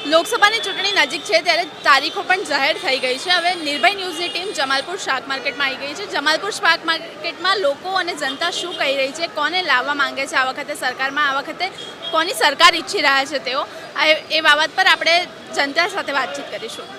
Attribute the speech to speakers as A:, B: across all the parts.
A: લોકસભાની ચૂંટણી નજીક છે ત્યારે તારીખો પણ જાહેર થઈ ગઈ છે. હવે નિર્ભય ન્યૂઝની ટીમ જમાલપુર શાક માર્કેટમાં આવી ગઈ છે. જમાલપુર શાક માર્કેટમાં લોકો અને જનતા શું કહી રહી છે, કોને લાવવા માંગે છે આ વખતે સરકારમાં, આ વખતે કોની સરકાર ઈચ્છી રહ્યા છે તેઓ, એ બાબત પર આપણે જનતા સાથે વાતચીત કરીશું.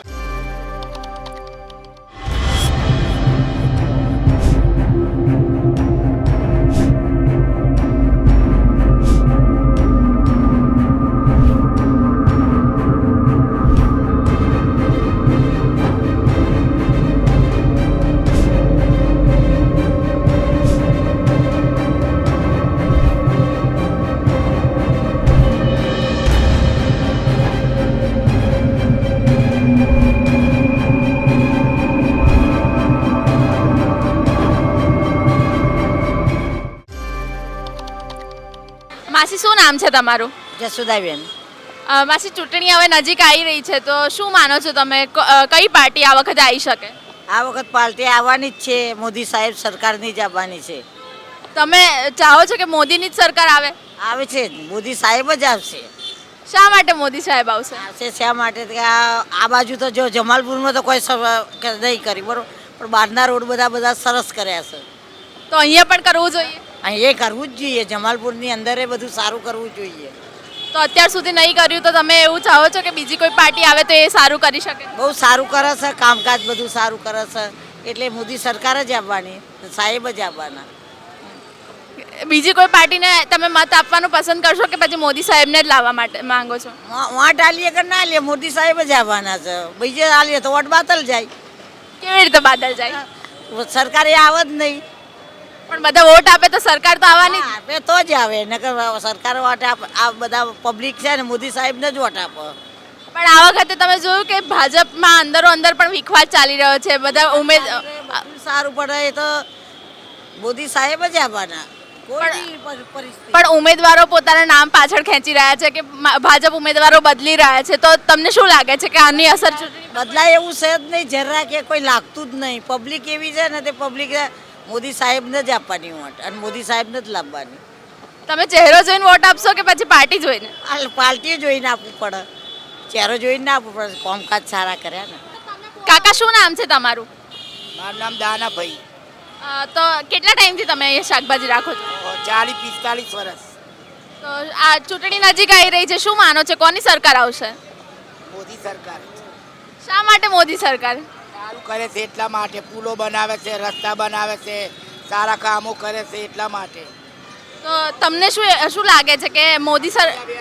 A: માસી, શું નામ છે તમારું?
B: જસુદાબેન.
A: માસી, ચૂંટણી હવે નજીક આવી રહી છે તો શું માનો છો તમે, કઈ પાર્ટી આ વખતે આવી શકે?
B: આ વખત પાર્ટી આવવાની જ છે, મોદી સાહેબ સરકારની જ આવવાની છે.
A: તમે ચાહો છો કે મોદીની જ સરકાર આવે?
B: આવે છે, મોદી સાહેબ જ આવશે.
A: શા માટે મોદી સાહેબ આવશે?
B: આવશે શા માટે કે આ બાજુ તો જો જમાલપુરમાં તો કોઈ નહીં કરી બરોબર, પણ બહારના રોડ બધા સરસ કર્યા છે.
A: તો અહીંયા પણ કરવું જોઈએ?
B: અહીં એ કરવું જ જોઈએ, જમાલપુરની અંદર એ બધું સારું કરવું જોઈએ.
A: તો અત્યાર સુધી નહીં કર્યું તો તમે એવું ચાહો છો કે બીજી કોઈ પાર્ટી આવે તો એ સારું કરી શકે?
B: બહુ સારું કરે છે, કામકાજ બધું સારું કરે છે, એટલે મોદી સરકાર જ આવવાની, સાહેબ જ આવવાના.
A: બીજી કોઈ પાર્ટીને તમે મત આપવાનું પસંદ કરશો કે પછી મોદી સાહેબને જ લાવવા માટે માંગો છો?
B: વાંટ આલીએ કે ના લે, મોદી સાહેબ જ આવવાના છે. બીજે આલીએ તો વોટ બાતલ જાય.
A: કેવી રીતે બાદલ જાય?
B: સરકાર એ આવે જ નહીં.
A: પણ બધા વોટ આપે તો સરકાર તો આવવાની જ.
B: આપે તો જ આવે, નકર સરકાર વોટ આ બધા પબ્લિક છે ને મોદી સાહેબને જ વોટ આપે.
A: પણ આ વખતે તમે જોયું કે ભાજપમાં અંદરો અંદર પણ વિખવાદ ચાલી રહ્યો છે. બધા
B: સારું પડે એ તો મોદી સાહેબ જ આવવાના.
A: પણ ઉમેદવારો પોતાના નામ પાછળ ખેંચી રહ્યા છે કે ભાજપ ઉમેદવારો બદલી રહ્યા છે, તો તમને શું લાગે છે કે આની અસર
B: બદલાય એવું છે જ નહીં, જરા કે કોઈ લાગતું જ નહીં. પબ્લિક એવી છે ને તે પબ્લિક મોદી સાહેબને જ આપવાની વોટ અને મોદી સાહેબને જ લાવવાની.
A: તમે ચહેરો જોઈને વોટ આપશો કે પછી પાર્ટી જોઈને?
B: પાર્ટી જોઈને આપવું પડે, ચહેરો જોઈને ના આપવું પડે. કામકાજ સારા કર્યા ને.
A: કાકા, શું નામ છે તમારું?
C: મારું નામ દાનાભાઈ.
A: તો કેટલા ટાઈમથી તમે અહીંયા શાકભાજી રાખો છો?
C: 40-45 વર્ષ.
A: તો આ ચૂંટણી નજીક આવી રહી છે, શું માનો છો કોની સરકાર આવશે?
C: મોદી સરકાર.
A: શા માટે મોદી સરકાર?
C: સારું કરે છે એટલા માટે, પુલો બનાવે છે, રસ્તા બનાવે છે, સારા કામો કરે છે એટલા માટે.
A: તો તમને શું લાગે છે કે મોદી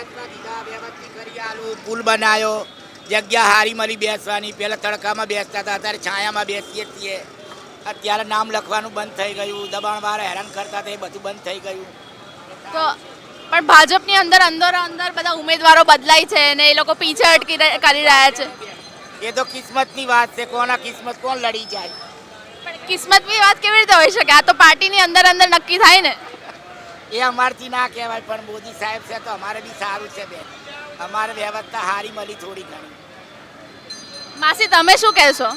C: પુલ બનાવ્યો, જગ્યા હારી મળી બેસવાની. પહેલા તડકામાં બેસતા હતા, અત્યારે છાયામાં બેસીએ છીએ. અત્યારે નામ લખવાનું બંધ થઈ ગયું, દબાણવાળા હેરાન કરતા હતા, એ બધું બંધ થઈ ગયું.
A: તો પણ ભાજપની અંદર બધા ઉમેદવારો બદલાય છે ને એ લોકો પીછે કરી રહ્યા છે.
C: એ તો કિસ્મતની વાત છે, કોના કિસ્મત કોણ લડી જાય.
A: પણ કિસ્મતની વાત કેવી રીતે હોઈ શકે? આ તો પાર્ટીની અંદર નક્કી થાય ને.
C: એ અમારથી ના કહેવાય, પણ મોદી સાહેબ છે તો અમારે બી સારું છે બેન. અમારે વ્યવસ્થા સારી મળી થોડી ઘણી.
A: માસી, તમે શું કહેશો?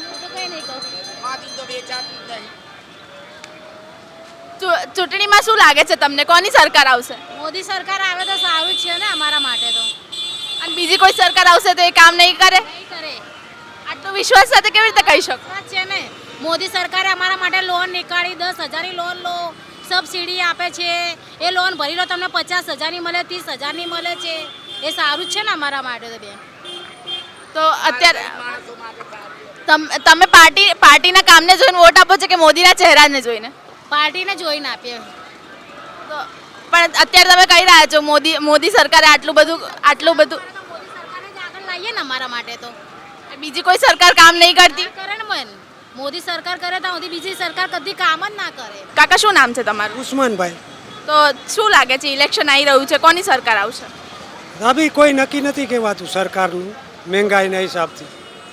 A: ચૂંટણીમાં શું લાગે છે તમને, કોની સરકાર આવશે?
D: મોદી સરકાર આવે તો સારું જ છે ને અમારા માટે તો.
A: અને બીજી કોઈ સરકાર આવશે તો એ કામ નહીં કરે?
D: નહીં કરે.
A: આટલો વિશ્વાસ સાથે કેવી રીતે કહી શકો?
D: વાત છે ને, મોદી સરકારે અમારા માટે લોન નીકાળી, 10,000ની લોન લો, સબસિડી આપે છે. એ લોન ભરી લો, તમને 50,000ની મળે, 30,000ની મળે છે. એ સારું જ છે ને અમારા માટે તો બેન.
A: તો અત્યારે તમે પાર્ટીના કામને જોઈને વોટ આપો છો કે મોદીના ચહેરાને જોઈને?
D: પાર્ટીને જોઈને આપીએ.
A: તો પણ અત્યારે તમે કહી રહ્યા છો મોદી સરકારે આટલું બધું
D: મોદી સરકારને જ આગળ લાવીએ ને અમારા માટે તો.
A: બીજી કોઈ સરકાર કામ નહીં કરતી?
D: કરે ને બેન, મોદી સરકાર કરે તો બીજી સરકાર કદી કામ જ ના કરે.
A: કાકા, શું નામ છે તમારું?
E: ઉસ્માનભાઈ.
A: તો શું લાગે છે, ઇલેક્શન આવી રહ્યું છે, કોની સરકાર આવશે?
E: અભી કોઈ નક્કી નથી કહેવાતું સરકારનું, મહેંગાઈના હિસાબથી.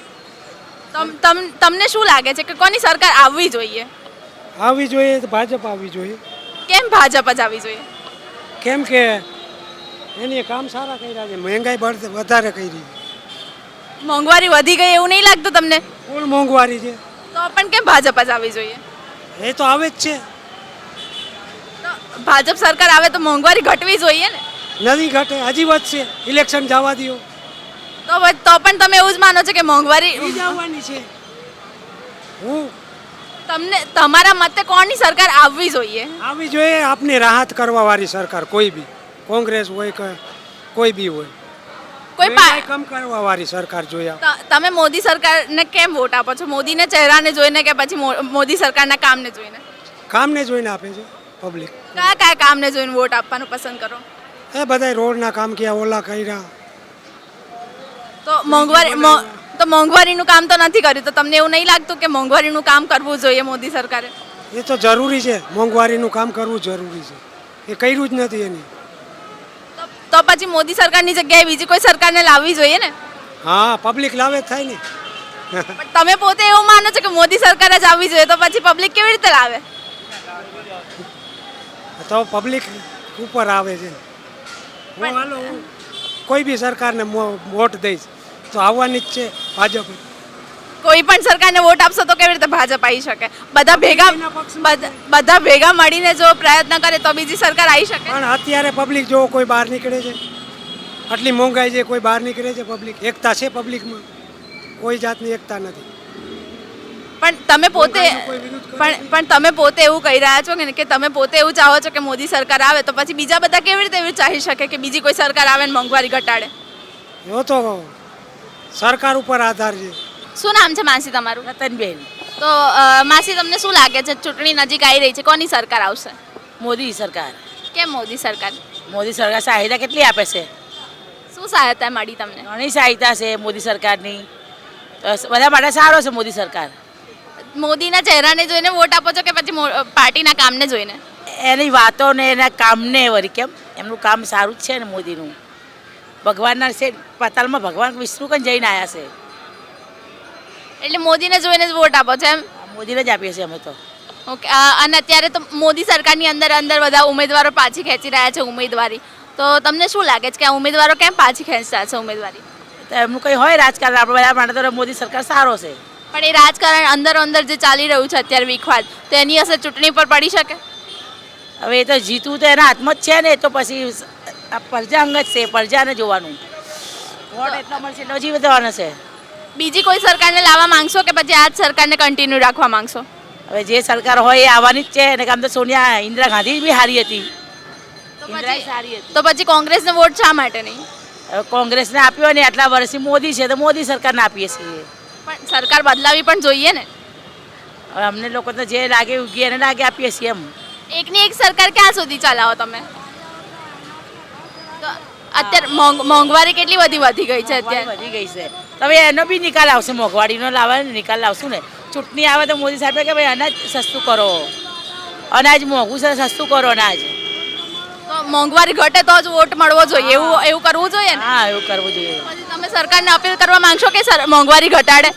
A: તમને શું લાગે છે કે કોની સરકાર આવવી જોઈએ?
E: આવવી જોઈએ તો ભાજપ આવવી જોઈએ.
A: કેમ ભાજપ જ આવવી જોઈએ?
E: કેમ કે એને કામ સારા કર્યા છે, મહેંગાઈ વધારે કરી.
A: મોંઘવારી વધી ગઈ એવું નહીં લાગતું તમને?
E: ફૂલ મોંઘવારી છે.
A: તો પણ કેમ ભાજપ જ આવવી જોઈએ?
E: એ તો આવે જ છે.
A: તો ભાજપ સરકાર આવે તો મોંઘવારી ઘટવી જોઈએ ને?
E: નથી ઘટે, હજી વધશે. ઇલેક્શન જવા દો.
A: તો પણ તમે એવું જ માનો છો કે મોંઘવારી
E: એ જ આવવાની છે. હું
A: તમને તમારા મતે કોની સરકાર આવવી જોઈએ?
E: આવી જોઈએ આપની રાહત કરવા વાળી સરકાર, કોઈ બી કોંગ્રેસ હોય કે કોઈ બી હોય,
A: કોઈ
E: મહેંગાઈ કમ કરવા વાળી સરકાર જોઈએ.
A: તમે મોદી સરકારને કેમ વોટ આપો છો? મોદીને ચહેરાને જોઈને કે પછી મોદી સરકારના કામને જોઈને?
E: કામને જોઈને આપે છે પબ્લિક.
A: કયા કયા કામને જોઈને વોટ આપવાનું પસંદ કરો?
E: એ બધા રોડના કામ કર્યા, ઓલા કર્યા.
A: તો મોંઘવારીનું કામ તો નથી કર્યું, તો તમને એવું નહીં લાગતું કે મોંઘવારીનું કામ કરવું જોઈએ મોદી સરકારે?
E: એ તો જરૂરી છે, મોંઘવારીનું કામ કરવું જરૂરી છે. એ કર્યું જ નથી એની.
A: તો પછી મોદી સરકારની જગ્યાએ બીજી કોઈ સરકારને લાવવી જોઈએ ને?
E: હા, પબ્લિક લાવે જ થાય ને.
A: પણ તમે પોતે એવું માનો છો કે મોદી સરકાર જ આવવી જોઈએ, તો પછી પબ્લિક કેવી રીતે લાવે?
E: તો પબ્લિક ઉપર આવે છે. હું હાલો હું કોઈ બી સરકારને વોટ દઈશ તો આવવાની જ છે ભાજપ.
A: કોઈ પણ સરકારને વોટ આપશો તો કેવી રીતે ભાજપ આવી શકે? બધા ભેગા મળીને જો પ્રયત્ન કરે તો બીજી સરકાર આવી શકે.
E: પણ અત્યારે પબ્લિક જો કોઈ બહાર નીકળે છે, આટલી મોંઘાઈ છે, કોઈ બહાર નીકળે છે પબ્લિક. એકતા છે પબ્લિકમાં, કોઈ જાતની એકતા નથી.
A: પણ તમે પોતે એવું કહી રહ્યા છો કે તમે પોતે એવું ચાહો છો કે મોદી સરકાર આવે, તો પછી બીજા બધા કેવી રીતે એવું ચાહી શકે કે બીજી કોઈ સરકાર આવે ને મોંઘવારી ઘટાડે?
E: એવો તો સરકાર ઉપર આધાર છે.
A: શું નામ છે માસી તમારું?
B: રતનબેન.
A: તો માસી, તમને શું લાગે છે, ચૂંટણી નજીક આવી રહી છે, કોની સરકાર આવશે?
B: મોદી સરકાર.
A: કેમ મોદી સરકાર?
B: મોદી સરકાર સહાયતા કેટલી આપે છે?
A: શું સહાયતા મળી તમને?
B: ઘણી સહાયતા છે મોદી સરકારની. તો બધા માટે સારો છે મોદી સરકાર.
A: મોદીના ચહેરાને જોઈને વોટ આપો છો કે પછી પાર્ટીના કામને જોઈને?
B: એની વાતો ને એના કામને વળી કેમ, એમનું કામ સારું જ છે ને મોદીનું. ભગવાનના છે પાતાલમાં ભગવાન વિષ્ણુ કંઈ જઈને આવ્યા છે.
A: એટલે મોદીને જોઈને જ વોટ આપો છો એમ?
B: મોદીને જ આપીએ છીએ અમે તો.
A: ઓકે. અને અત્યારે તો મોદી સરકારની અંદર બધા ઉમેદવારો પાછી ખેંચી રહ્યા છે ઉમેદવારી. તો તમને શું લાગે છે કે આ ઉમેદવારો કેમ પાછી ખેંચતા છે ઉમેદવારી?
B: તો એમનું કંઈ હોય રાજકારણ, આપણે બધા માટે તો મોદી સરકાર સારો છે.
A: પણ એ રાજકારણ અંદર જે ચાલી રહ્યું છે અત્યારે વિખવાદ, તો એની અસર ચૂંટણી પર પડી શકે?
B: હવે એ તો જીતવું તો એના હાથમાં જ છે ને. એ તો પછી આ પ્રજા અંગ જ છે, પ્રજાને જોવાનું. વોટ એટલો મળશે એટલો જીવવાનો છે.
A: બીજી કોઈ સરકારને લાવવા માંગશો કે પછી આ જ સરકારને કન્ટિન્યુ રાખવા માંગશો?
B: હવે જે સરકાર હોય એ આવવાની જ છે. અને કામ તો સોનિયા ઇન્દિરા ગાંધી બી સારી હતી.
A: તો પછી કોંગ્રેસને વોટ શા માટે નહીં?
B: હવે કોંગ્રેસને આપ્યો ને આટલા વર્ષથી મોદી છે તો મોદી સરકારને આપીએ છીએ.
A: પણ સરકાર બદલાવી પણ જોઈએ ને.
B: હવે અમને લોકો તો જે લાગે ઉગી એને લાગે આપીએ છીએ એમ.
A: એકની એક સરકાર ક્યાં સુધી ચલાવો તમે? તો અત્યારે મોંઘવારી કેટલી બધી વધી ગઈ છે અત્યારે.
B: વધી ગઈ છે. હવે એનો બી નિકાલ આવશે, મોંઘવારીનો લાવવાનો નિકાલ લાવશું ને. ચૂંટણી આવે તો મોદી સાહેબે કે ભાઈ અનાજ સસ્તું કરો, અનાજ મોંઘું છે સસ્તું કરો અનાજ.
A: તો મોંઘવારી ઘટે તો જ વોટ મળવો જોઈએ, એવું કરવું જોઈએ ને?
B: હા, એવું કરવું જોઈએ.
A: પછી તમે સરકારને અપીલ કરવા માંગશો કે મોંઘવારી ઘટાડે?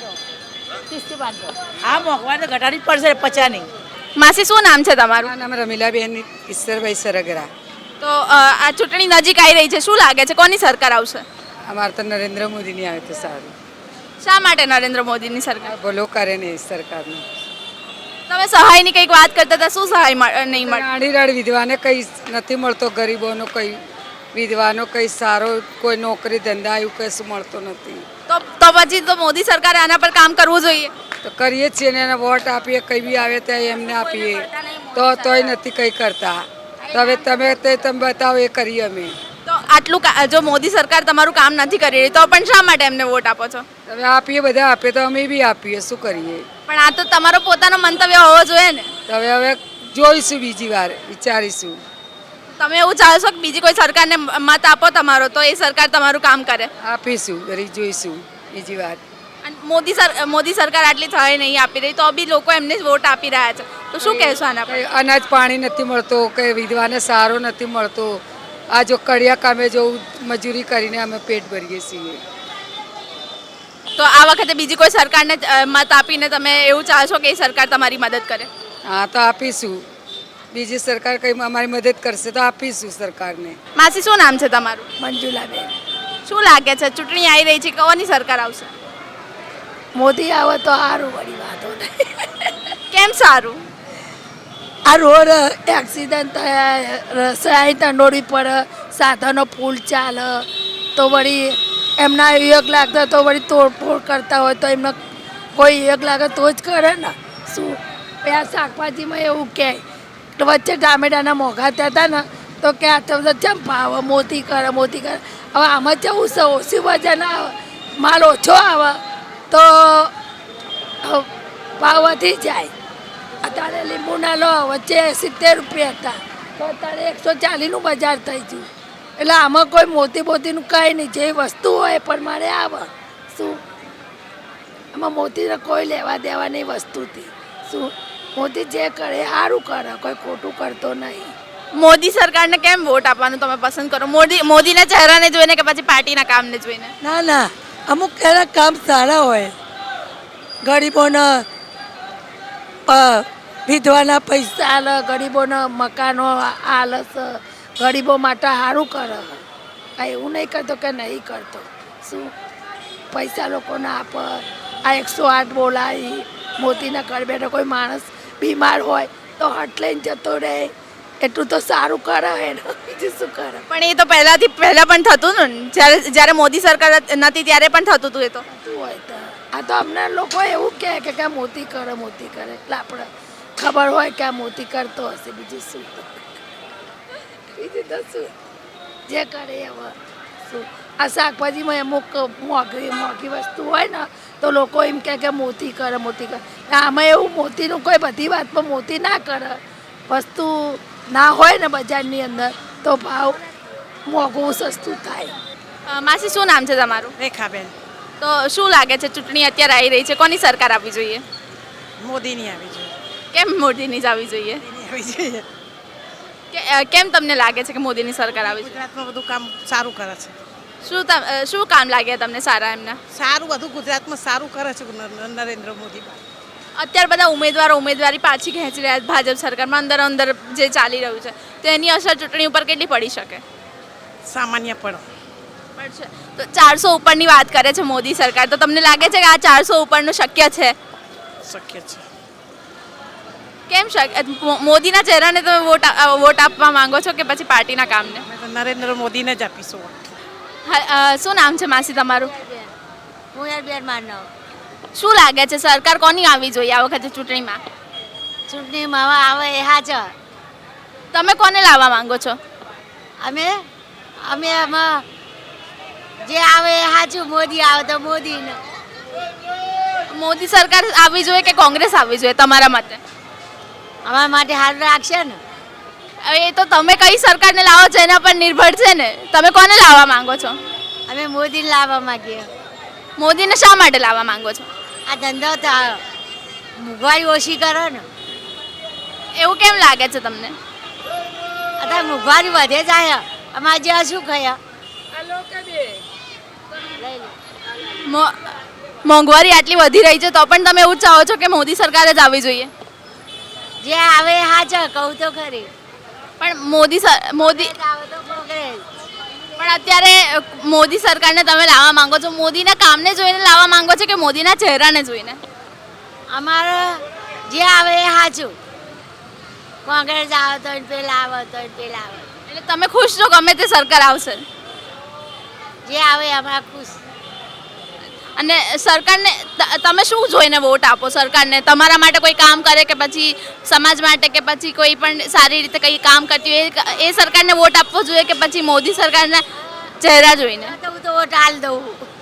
B: હા, મોંઘવારી તો ઘટાડવી જ પડશે, પચાની.
A: માસી, શું નામ છે તમારું?
F: મારું નામ રમીલાબેન ઈશ્વરભાઈ સરગરા.
A: તો આ ચૂંટણી નજીક આવી રહી છે, શું લાગે છે કોની સરકાર આવશે?
F: અમારે તો નરેન્દ્ર મોદીની આવે તો સારું.
A: શા માટે નરેન્દ્ર મોદીની સરકાર?
F: ભલો કરે ને એ સરકારનું.
A: તમે સહાયની કંઈક વાત કરતા હતા, શું સહાય નહીં મળે?
F: આડીરાડ વિધવાને કંઈ નથી મળતો, ગરીબોનો કંઈ, વિધવાનો કંઈ સારો કોઈ નોકરી ધંધા એવું કશું મળતો નથી.
A: તો પછી તો મોદી સરકારે આના પર કામ કરવું જોઈએ.
F: તો કરીએ જ છીએ ને, એને વોટ આપીએ, કંઈ બી આવે ત્યાં એમને આપીએ તોય નથી કંઈ કરતા. તો હવે તમે બતાવો, એ કરીએ અમે.
A: તો આટલું જો મોદી સરકાર તમારું કામ નથી કરી રહી તો પણ શા માટે એમને વોટ આપો છો?
F: હવે આપીએ, બધા આપે તો અમે બી આપીએ, શું કરીએ.
A: પણ આ તો તમારો પોતાનો મંતવ્ય હોવો જોઈએ ને.
F: તો હવે જોઈશું, બીજી વાર વિચારીશું.
A: તમે એવું ચાહશો કે બીજી કોઈ સરકારને મત આપો તમારો, તો એ સરકાર તમારું કામ કરે?
F: આપીશું, વળી જોઈશું બીજી વાર.
A: અને મોદી સરકાર આટલી સહાય નહીં આપી રહી તો બી લોકો એમને જ વોટ આપી રહ્યા છે, તો શું કહેશો આના પર?
F: કંઈ અનાજ પાણી નથી મળતો, કંઈ વિધવાને સારો નથી મળતો. આ જો કડિયા કામે જવું, મજૂરી કરીને અમે પેટ ભરીએ છીએ.
A: તો આ વખતે બીજી કોઈ સરકારને મત આપીને તમે એવું ચાહશો કે એ સરકાર તમારી મદદ કરે?
F: હા, તો આપીશું. બીજી સરકાર કંઈ અમારી મદદ કરશે તો આપીશું સરકારને.
A: માસી, શું નામ છે તમારું?
G: મંજુલાબેન.
A: શું લાગે છે ચૂંટણી આવી રહી છે, કોની સરકાર આવશે?
G: મોદી આવે તો સારું, વળી વાંધો નહીં.
A: કેમ સારું?
G: આ રોડ એક્સિડન્ટ થયા, રસાય તંડોળી પર સાધનો ફૂલ ચાલે તો વળી એમના યોગ લાગતા તો વળી તોડફોડ કરતા હોય તો એમને કોઈ યોગ લાગે તો જ કરે ને શું આ શાકભાજીમાં એવું કહે તો વચ્ચે ટામેટાના મોંઘા થતા ને તો કે આ તો બધા ચમ ભાવ મોતી કરે હવે આમાં જવું છે ઓછી વજન આવે માલ ઓછો આવે તો ભાવ વધી જાય. અત્યારે લીંબુના લો વચ્ચે 70 રૂપિયા હતા તો અત્યારે 140નું બજાર થઈ ગયું. એટલે આમાં કોઈ મોતીનું કંઈ નહીં, જે વસ્તુ હોય એ પ્રમાણે આવે. શું આમાં મોતીને કોઈ લેવા દેવા નહીં વસ્તુથી. શું મોદી જે કરે એ સારું કરે, કોઈ ખોટું કરતો નહીં.
A: મોદી સરકારને કેમ વોટ આપવાનું તમે પસંદ કરો? મોદીના ચહેરાને જોઈને કે પછી પાર્ટીના કામને જોઈને?
G: ના ના, અમુક એના કામ સારા હોય. ગરીબોના વિધવાના પૈસા આલે, ગરીબોના મકાનો આલે છે, ગરીબો માટે સારું કરે. આ એવું નહીં કરતો કે નહીં કરતો. શું પૈસા લોકોને આપે, આ 108 બોલાવી મોતીના ઘર બેઠા કોઈ માણસ બીમાર હોય તો હટ લઈને જતો રહે, એટલું તો સારું કરે ને, બીજું શું કરે.
A: પણ એ તો પહેલા પણ થતું ને, જ્યારે મોદી સરકાર નથી ત્યારે પણ થતું હતું. એ તો
G: શું હોય તો આ તો અમને લોકો એવું કહે કે મોતી કરે એટલે આપણે ખબર હોય કે આ મોતી કરતો હશે. બીજું શું, બીજું તો શું જે કરે હવે. શું આ શાકભાજીમાં અમુક મોંઘી વસ્તુ હોય ને તો લોકો એમ કે મોતી કરે. આમાં એવું મોતીનું કોઈ બધી વાતમાં મોતી ના કરે. વસ્તુ ના હોય ને બજારની અંદર તો ભાવ મોંઘું સસ્તું થાય.
A: માસી શું નામ છે તમારું?
H: રેખાબેન.
A: તો શું લાગે છે, ચૂંટણી અત્યારે આવી રહી છે, કોની સરકાર આવવી જોઈએ?
H: મોદીની આવી જોઈએ.
A: કેમ મોદીની જ આવવી જોઈએ?
H: આવી જોઈએ.
A: કેમ તમને લાગે છે કે મોદીની સરકાર આવી જોઈએ?
H: ગુજરાતમાં બધું કામ સારું કરે છે.
A: શું કામ લાગ્યા તમને સારા એમના?
H: સારું બધું ગુજરાતમાં સારું કરે છે નરેન્દ્ર મોદી.
A: અત્યારે બધા ઉમેદવારી પાછી ખેંચી રહ્યા છે ભાજપ સરકારમાં, અંદર જે ચાલી રહ્યું છે તો એની અસર ચૂંટણી ઉપર કેટલી પડી શકે?
H: સામાન્ય પડે.
A: પડશે. તો 400 ઉપરની વાત કરે છે મોદી સરકાર, તો તમને લાગે છે કે આ 400 ઉપરનું શક્ય છે?
H: શક્ય છે.
A: કેમ શક્ય? મોદીના ચહેરાને તમે વોટ આપવા માંગો છો કે પછી પાર્ટીના કામને?
H: અમે તો નરેન્દ્ર મોદીને જ આપીશું.
A: શું નામ છે માસી તમારું?
D: હું યાર બેન માનવ.
A: શું લાગે છે સરકાર કોની આવવી જોઈએ આ વખતે ચૂંટણીમાં?
D: ચૂંટણીમાં આવે એ હાજર.
A: તમે કોને લાવવા માંગો છો?
D: અમે એમાં જે આવે એ સાચું. મોદી આવે તો મોદીને.
A: મોદી સરકાર આવવી જોઈએ કે કોંગ્રેસ આવવી જોઈએ તમારા મતે?
D: અમારા માટે સારું રાખશે ને.
A: હવે એ તો તમે કઈ સરકારને લાવો છો એના પર નિર્ભર છે ને. તમે કોને લાવવા માંગો છો?
D: અમે મોદીને લાવવા માંગીએ.
A: મોદીને શા માટે લાવવા માંગો છો?
D: આ ધંધો તો મોંઘવારી ઓછી કરે ને.
A: એવું કેમ લાગે છે તમને?
D: અત્યારે મોંઘવારી વધે જાય. અમારે જ્યાં શું ખયા
A: મોંઘવારી આટલી વધી રહી છે તો પણ તમે એવું ચાહો છો કે મોદી સરકાર જ આવવી જોઈએ?
D: જે આવે એ હાજર કહું તો ખરી.
A: પણ મોદી
D: આવે તો કોંગ્રેસ.
A: પણ અત્યારે મોદી સરકારને તમે લાવવા માંગો છો, મોદીના કામને જોઈને લાવવા માંગો છો કે મોદીના ચહેરાને જોઈને?
D: અમારે જે આવે એ સાચું. કોંગ્રેસ આવે તો પેલા આવે તો પેલા આવે.
A: એટલે તમે ખુશ છો ગમે તે સરકાર આવશે?
D: જે આવે અમારા ખુશ.
A: અને સરકારને તમે શું જોઈને વોટ આપો સરકારને? તમારા માટે કોઈ કામ કરે કે પછી સમાજ માટે કે પછી કોઈ પણ સારી રીતે કંઈ કામ કરતી હોય એ સરકારને વોટ આપવો જોઈએ કે પછી મોદી સરકારના ચહેરા જોઈને?
D: હું તો વોટ હાલ દઉં.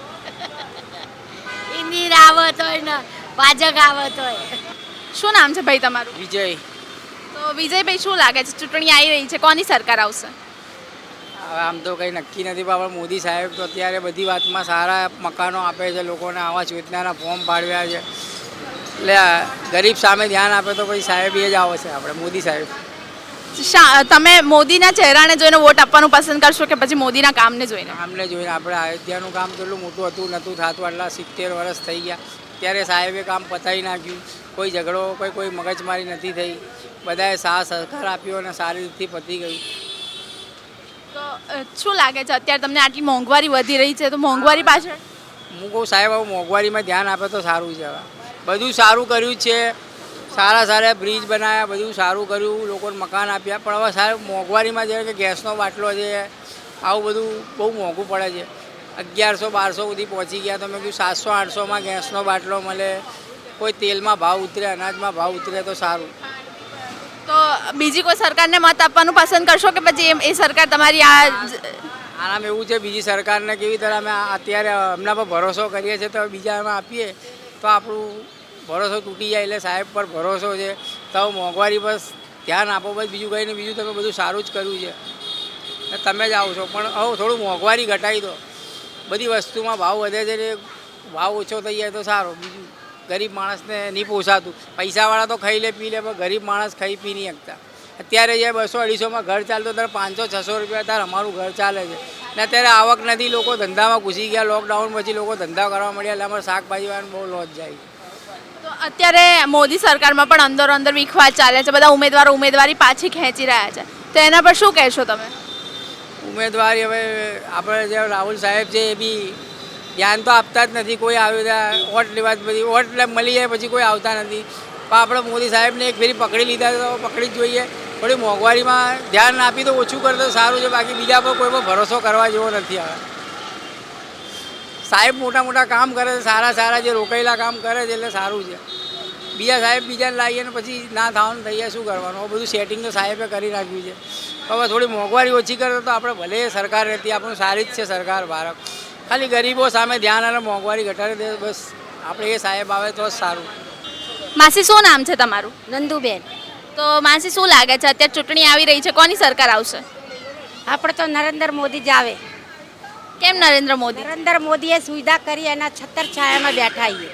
D: ઇન્દિરા આવે તોય ને ભાજપ આવે તોય.
A: શું નામ છે ભાઈ તમારું?
C: વિજય.
A: તો વિજયભાઈ શું લાગે છે ચૂંટણી આવી રહી છે, કોની સરકાર આવશે?
I: આમ તો કંઈ નક્કી નથી, પણ મોદી સાહેબ તો અત્યારે બધી વાતમાં સારા મકાનો આપે છે, લોકોને આવાસ યોજનાના ફોર્મ પાડવ્યા છે, એટલે ગરીબ સામે ધ્યાન આપે તો પછી સાહેબ એ જ આવે છે આપણે મોદી સાહેબ.
A: તમે મોદીના ચહેરાને જોઈને વોટ આપવાનું પસંદ કરશો કે પછી મોદીના કામને જોઈને?
I: કામને જોઈને. આપણે અયોધ્યાનું કામ કેટલું મોટું હતું, નહોતું થતું, આટલા 70 વર્ષ થઈ ગયા, ત્યારે સાહેબે કામ પતાવી નાખ્યું. કોઈ ઝઘડો કોઈ મગજમારી નથી થઈ, બધાએ સાથ સહકાર આપ્યો અને સારી રીતથી પતી ગયું.
A: તો શું લાગે છે અત્યારે તમને આટલી મોંઘવારી વધી રહી છે તો મોંઘવારી પાછળ
I: હું કહું સાહેબ હવે મોંઘવારીમાં ધ્યાન આપે તો સારું છે. હવે બધું સારું કર્યું છે, સારા બ્રિજ બનાવ્યા, બધું સારું કર્યું, લોકોને મકાન આપ્યા, પણ હવે સાહેબ મોંઘવારીમાં જેમ કે ગેસનો બાટલો છે, આવું બધું બહુ મોંઘું પડે છે. 1100-1200 સુધી પહોંચી ગયા. તો મેં કીધું 700-800માં ગેસનો બાટલો મળે, કોઈ તેલમાં ભાવ ઉતરે, અનાજમાં ભાવ ઉતરે તો સારું.
A: તો બીજી કોઈ સરકારને મત આપવાનું પસંદ કરશો કે પછી એ સરકાર તમારી
I: આનામાં એવું છે, બીજી સરકારને કેવી રીતે અમે અત્યારે એમના પર ભરોસો કરીએ છીએ, તો બીજામાં આપીએ તો આપણું ભરોસો તૂટી જાય. એટલે સાહેબ પર ભરોસો છે, તો મોંઘવારી પર ધ્યાન આપો. બસ બીજું કંઈ નહીં, બીજું તમે બધું સારું જ કર્યું છે ને તમે જ આવો છો. પણ હવે થોડું મોંઘવારી ઘટાડી દો. બધી વસ્તુમાં ભાવ વધે છે ને ભાવ ઓછો થઈ જાય તો સારું. બીજું ગરીબ માણસને નહીં પોસાતું. પૈસાવાળા તો ખાઈ લે પી લે, પણ ગરીબ માણસ ખાઈ પી નહીં શકતા. અત્યારે જે 200-250માં ઘર ચાલતો ત્યારે 500-600 રૂપિયા ત્યારે અમારું ઘર ચાલે છે ને અત્યારે આવક નથી. લોકો ધંધામાં ઘૂસી ગયા. લોકડાઉન પછી લોકો ધંધા કરવા મળ્યા એટલે અમારે શાકભાજીવાળાને બહુ લોસ જાય.
A: તો અત્યારે મોદી સરકારમાં પણ અંદર વિખવાદ ચાલે છે. બધા ઉમેદવારી પાછી ખેંચી રહ્યા છે, તો એના પર શું કહેશો તમે?
I: ઉમેદવારી હવે આપણે જે રાહુલ સાહેબ છે એ બી ધ્યાન તો આપતા જ નથી. કોઈ આવ્યું ત્યાં વોટ લેવા બધી વોટ મળી જાય પછી કોઈ આવતા નથી. પણ આપણે મોદી સાહેબને એક ફેરી પકડી લીધા તો પકડી જ જોઈએ. થોડી મોંઘવારીમાં ધ્યાન આપી તો ઓછું કરે તો સારું છે. બાકી બીજા પર કોઈ પર ભરોસો કરવા જેવો નથી. હવે સાહેબ મોટા કામ કરે છે, સારા જે રોકાયેલા કામ કરે છે એટલે સારું છે. બીજા સાહેબ બીજાને લાવીએ ને પછી ના થવાનું થઈ જાય શું કરવાનું? બધું સેટિંગ તો સાહેબે કરી નાખ્યું છે. હવે થોડી મોંઘવારી ઓછી કરે તો આપણે ભલે સરકાર રહેતી, આપણું સારી જ છે સરકાર ભારત. ખાલી ગરીબો સામે ધ્યાન અને મોંઘવારી ઘટાડી દે બસ. આપણે એ સાહેબ આવે તો જ સારું.
A: માસી શું નામ છે તમારું?
D: નંદુબેન.
A: તો માસી શું લાગે છે, અત્યારે ચૂંટણી આવી રહી છે, કોની સરકાર આવશે?
D: આપણે તો નરેન્દ્ર મોદી જ આવે.
A: કેમ નરેન્દ્ર મોદી?
D: નરેન્દ્ર મોદીએ સુવિધા કરી, એના છત્તર છાયામાં બેઠા છીએ.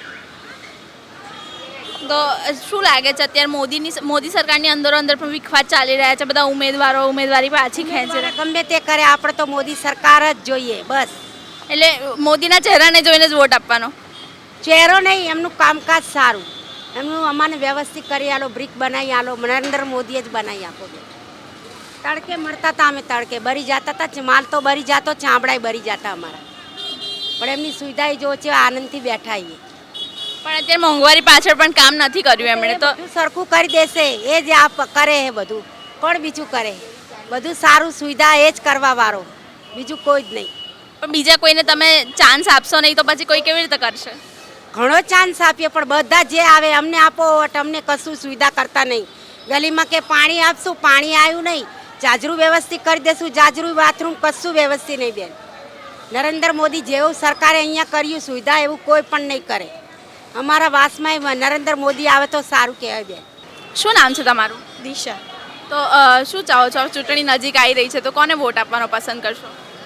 A: તો શું લાગે છે અત્યારે મોદી સરકારની અંદર પણ વિખવાદ ચાલી રહ્યા છે? બધા ઉમેદવારી પાછી ખેંચે છે.
D: ગમે તે કરે, આપણે તો મોદી સરકાર જ જોઈએ બસ.
A: એટલે મોદીના ચહેરાને જોઈને જ વોટ આપવાનો?
D: ચહેરો નહીં, એમનું કામકાજ સારું. એમનું અમાને વ્યવસ્થિત કરી આલો, બ્રિક બનાવી આલો. નરેન્દ્ર મોદીએ જ બનાવી આપો. તડકે મળતા હતા અમે, તડકે બરી જતા હતા. માલ તો બરી જતો, ચામડાય બરી જતા અમારા. પણ એમની સુવિધા જો છે, આનંદથી બેઠા આવીએ.
A: પણ અત્યારે મોંઘવારી પાછળ પણ કામ નથી કર્યું એમણે. તો
D: સરખું કરી દેશે, એ જ આ કરે છે બધું. કોણ બીજું કરે? બધું સારું સુવિધા એ જ કરવા વાળો, બીજું કોઈ જ નહીં.
A: પણ બીજા કોઈને તમે ચાન્સ આપશો નહીં તો પછી કોઈ કેવી રીતે કરશે?
D: ઘણો ચાન્સ આપીએ પણ બધા જે આવે અમને આપો, અમને કશું સુવિધા કરતા નહીં. ગલીમાં કે પાણી આપશું, પાણી આવ્યું નહીં. જાજરું વ્યવસ્થિત કરી દેશું, જાજરું બાથરૂમ કશું વ્યવસ્થિત નહીં બેન. નરેન્દ્ર મોદી જેવું સરકારે અહીંયા કર્યું સુવિધા એવું કોઈ પણ નહીં કરે. અમારા વાસમાં નરેન્દ્ર મોદી આવે તો સારું કહેવાય બેન.
A: શું નામ છે તમારું?
H: દિશા.
A: તો શું ચાહો છો, ચૂંટણી નજીક આવી રહી છે તો કોને વોટ આપવાનો પસંદ કરશો?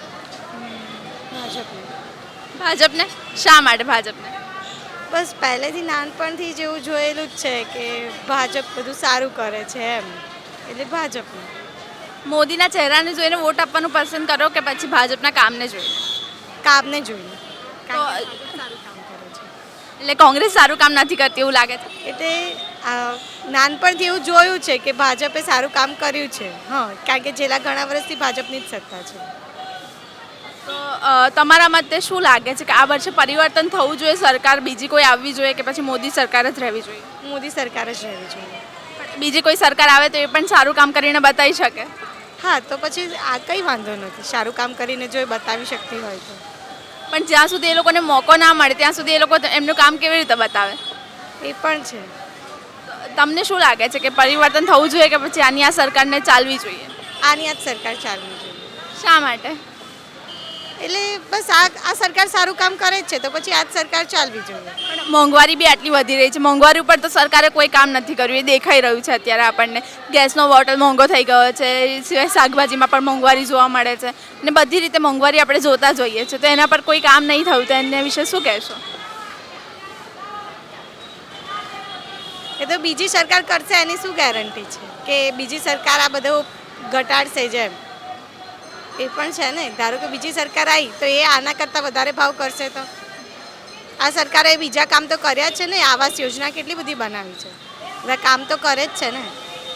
A: ભાજપને. શા માટે ભાજપને?
H: બસ પહેલેથી નાનપણથી જેવું જોયેલું જ છે કે ભાજપ બધું સારું કરે છે એમ, એટલે ભાજપને.
A: મોદીના ચહેરાને જોઈને વોટ આપવાનું પસંદ કરો કે પછી ભાજપના કામને જોઈને?
H: કામને જોઈને.
A: તો
H: સારું કામ કરે છે
A: એટલે કોંગ્રેસ સારું કામ નથી કરતી એવું લાગે છે?
H: એટલે નાનપણથી એવું જોયું છે કે ભાજપે સારું કામ કર્યું છે. હા, કારણ કે છેલ્લા ઘણા વર્ષથી ભાજપની જ સત્તા છે.
A: તો તમારા મતે શું લાગે છે કે આ વર્ષે પરિવર્તન થવું જોઈએ, સરકાર બીજી કોઈ આવવી જોઈએ કે પછી મોદી સરકાર જ રહેવી જોઈએ?
H: મોદી સરકાર જ રહેવી જોઈએ.
A: બીજી કોઈ સરકાર આવે તો એ પણ સારું કામ કરીને બતાવી શકે?
H: હા, તો પછી આ કંઈ વાંધો નથી. સારું કામ કરીને જો એ બતાવી શકતી હોય તો.
A: પણ જ્યાં સુધી એ લોકોને મોકો ના મળે ત્યાં સુધી એ લોકો એમનું કામ કેવી રીતે બતાવે?
H: એ પણ છે.
A: તમને શું લાગે છે કે પરિવર્તન થવું જોઈએ કે પછી આની આ સરકારને ચાલવી જોઈએ?
H: આની આ જ સરકાર ચાલવી જોઈએ.
A: શા માટે?
H: એટલે બસ આ સરકાર સારું કામ કરે જ છે તો પછી આ જ સરકાર ચાલવી જોઈએ.
A: પણ મોંઘવારી બી આટલી વધી રહી છે, મોંઘવારી ઉપર તો સરકારે કોઈ કામ નથી કર્યું, એ દેખાઈ રહ્યું છે અત્યારે આપણને. ગેસનો બોટલ મોંઘો થઈ ગયો છે, સિવાય શાકભાજીમાં પણ મોંઘવારી જોવા મળે છે અને બધી રીતે મોંઘવારી આપણે જોતા જોઈએ છે. તો એના પર કોઈ કામ નહીં થયું તો એના વિશે શું કહેશો?
H: એ તો બીજી સરકાર કરશે એની શું ગેરંટી છે કે બીજી સરકાર આ બધું ઘટાડશે જેમ? એ પણ છે ને. ધારો કે બીજી સરકાર આવી તો એ આના કરતાં વધારે ભાવ કરશે તો આ સરકારે બીજા કામ તો કર્યા જ છે ને. આવાસ યોજના કેટલી બધી બનાવી છે, બધા કામ તો કરે જ છે ને.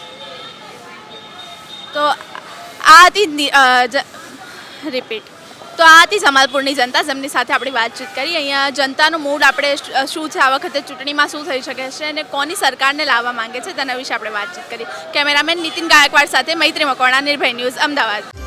A: તો આ હતી રિપીટ તો આ હતી જમાલપુરની જનતા, જેમની સાથે આપણી વાતચીત કરી. અહીંયા જનતાનો મૂડ આપણે શું છે, આ વખતે ચૂંટણીમાં શું થઈ શકે છે અને કોની સરકારને લાવવા માંગે છે તેના વિશે આપણે વાતચીત કરી. કેમેરામેન નીતિન ગાયકવાડ સાથે મૈત્રી મકવાણા, નિર્ભય ન્યૂઝ, અમદાવાદ.